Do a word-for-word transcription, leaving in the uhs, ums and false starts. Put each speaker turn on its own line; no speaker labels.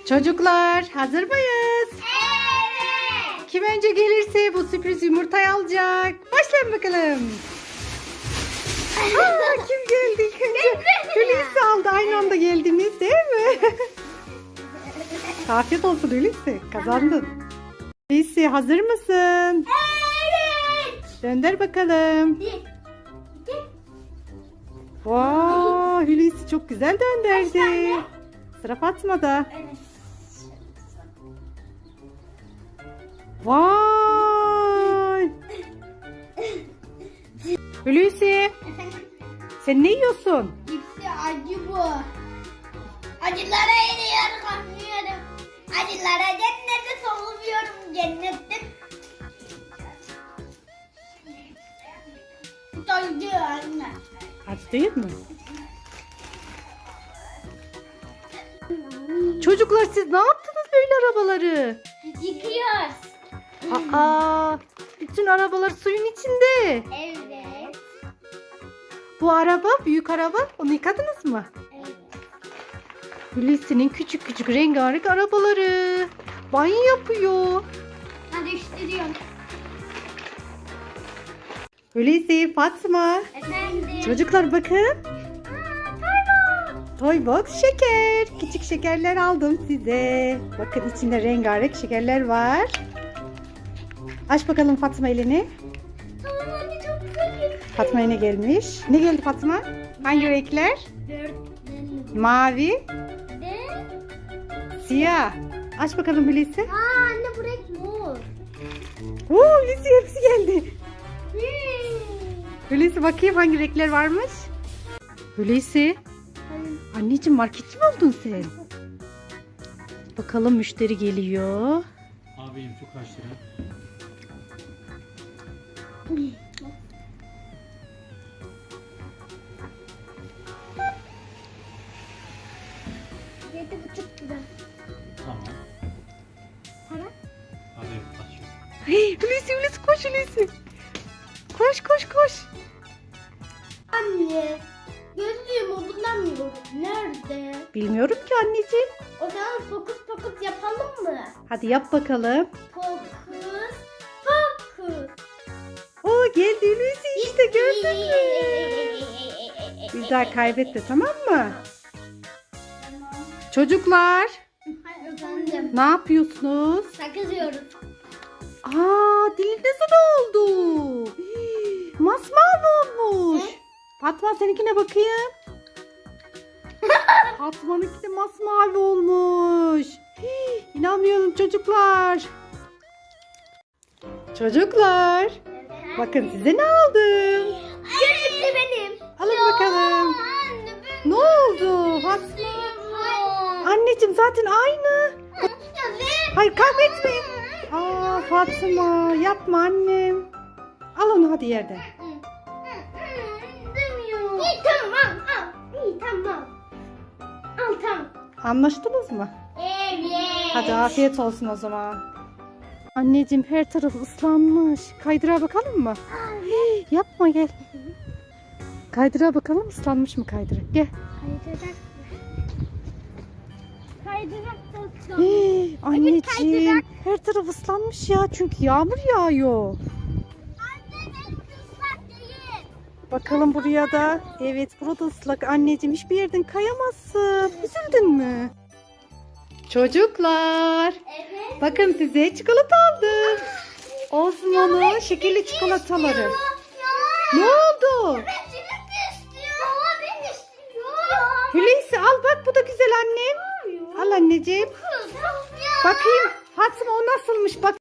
Çocuklar hazır mıyız?
Evet.
Kim önce gelirse bu sürpriz yumurtayı alacak. Başlayın bakalım. Aa, kim geldi ilk önce? Hulusi aldı. Aynı anda geldiniz değil mi? Afiyet olsun Hulusi. Kazandın. Hulusi hazır mısın?
Evet.
Gönder bakalım.
Bir, iki,
Wow, Hulusi çok güzel dönderdi. Sıra Fatma'da.
evet.
Vay. Hulusi,
Efendim,
sen ne yiyorsun?
cipsi acı bu. Acılara eriyorum, anlıyorum. Acılara cennete soluyorum, cennette. Acı anne.
Acı değil mi? Çocuklar siz ne yaptınız böyle arabaları?
Yıkıyoruz.
Aa, bütün arabalar suyun içinde.
Evet.
Bu araba, büyük araba, onu yıkadınız mı?
Evet.
Hulusi'nin küçük küçük rengarenk arabaları. Banyo yapıyor.
Hadi iştiriyorum.
Hulusi, Fatma.
Efendim.
Çocuklar bakın. Toy box şeker. Küçük şekerler aldım size. Bakın içinde rengarenk şekerler var. Aç bakalım Fatma elini.
Tamam anne, çok güzel.
Fatma'ya ne gelmiş? Ne geldi Fatma? Hangi renkler?
Dört.
Mavi,
De.
siyah. Aç bakalım Hulusi.
Aa anne, bu renk mor.
Oo, Hulusi hepsi geldi. Hulusi bakayım hangi renkler varmış. Hulusi. Anneciğim marketçi mi oldun sen? Bakalım müşteri geliyor.
Abim şu kaç lira?
Yedi buçuk lira.
Tamam.
Para?
Abi kaç?
Hey, Hulusi Hulusi koş Hulusi. Koş koş koş.
Anne, gözlüğümü bulamıyorum. Nerede?
Bilmiyorum ki anneciğim.
O zaman fokus fokus yapalım mı?
Hadi yap bakalım.
Fokus fokus.
Oo geldi Hulusi işte gördün mü? Bir daha kaybetme tamam mı?
Tamam.
Çocuklar
Efendim.
ne yapıyorsunuz?
Sakız yiyoruz.
Aa dilinize ne oldu? Hii, Masmavi olmuş. Fatma seninkine bakayım. Fatma'nınki de masmavi olmuş. Hii, İnanmıyorum çocuklar. Çocuklar. Bakın size ne aldım.
Gözlük benim.
Alın bakalım.
Anne,
Ne oldu? Fatma. Anneciğim zaten aynı. Hayır kavga etmeyin. Aa Fatma yapma annem. Al onu hadi yerden.
Demiyor. İyi tamam al. İyi tamam. Al tamam.
Anlaştınız mı?
Evet.
Hadi afiyet olsun o zaman. Anneciğim her taraf ıslanmış. Kaydıra bakalım mı? Hii, yapma gel. Kaydıra bakalım ıslanmış mı kaydıra? Gel.
Kaydırak. Kaydırak da
Hii, anneciğim
kaydırak.
her taraf ıslanmış ya çünkü yağmur yağıyor.
Anne, ben ıslak değil.
Bakalım buraya da. Evet burada ıslak anneciğim hiçbir yerden kayamazsın. Üzüldün mü? Çocuklar.
Evet.
Bakın size çikolata aldım. Osman'ın şekerli çikolataları.
Ya.
Ne oldu?
Ben çilek istiyorum. Baba ben istiyorum.
Hulusi al bak bu da güzel annem. Al anneciğim.
Kız. Ya.
Bakayım Fatma o nasılmış bak.